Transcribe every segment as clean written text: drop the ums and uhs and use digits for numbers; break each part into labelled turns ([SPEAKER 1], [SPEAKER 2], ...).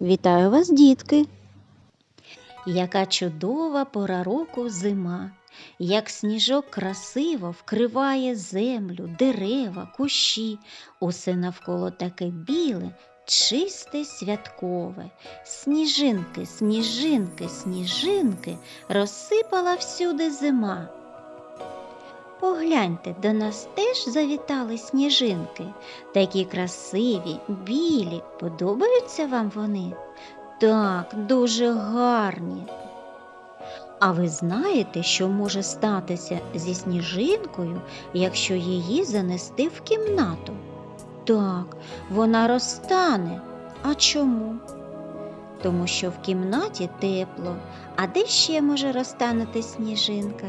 [SPEAKER 1] Вітаю вас, дітки! Яка чудова пора року зима, як сніжок красиво вкриває землю, дерева, кущі, усе навколо таке біле, чисте, святкове. Сніжинки, сніжинки, сніжинки, розсипала всюди зима. Погляньте, до нас теж завітали сніжинки. Такі красиві, білі. Подобаються вам вони? Так, дуже гарні. А ви знаєте, що може статися зі сніжинкою, якщо її занести в кімнату? Так, вона розтане. А чому? Тому що в кімнаті тепло. А де ще може розтанути сніжинка?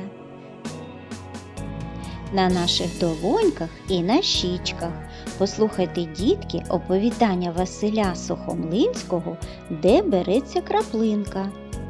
[SPEAKER 1] На наших долоньках і на щічках. Послухайте, дітки, оповідання Василя Сухомлинського «Де береться краплинка».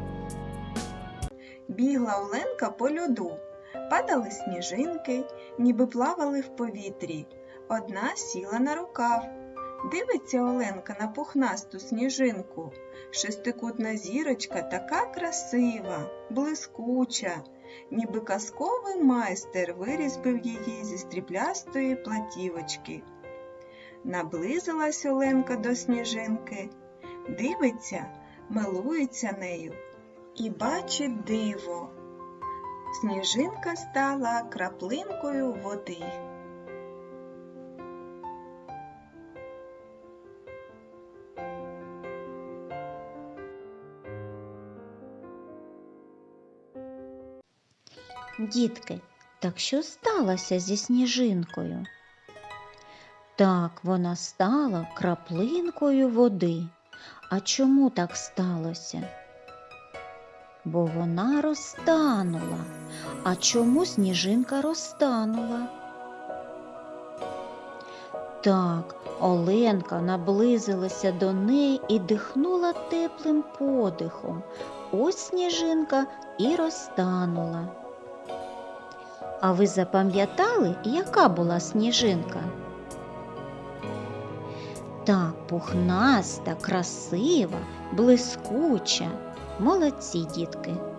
[SPEAKER 2] Бігла Оленка по льоду, падали сніжинки, ніби плавали в повітрі. Одна сіла на рукав. Дивиться Оленка на пухнасту сніжинку. Шестикутна зірочка така красива, блискуча, ніби казковий майстер вирізбив її зі стріблястої платівочки. Наблизилась Оленка до сніжинки, дивиться, милується нею і бачить диво. Сніжинка стала краплинкою води.
[SPEAKER 1] Дітки, так що сталося зі сніжинкою? Так, вона стала краплинкою води. А чому так сталося? Бо вона розтанула. А чому сніжинка розтанула? Так, Оленка наблизилася до неї і дихнула теплим подихом. Ось сніжинка і розтанула. А ви запам'ятали, яка була сніжинка? Так, пухнаста, красива, блискуча. Молодці, дітки!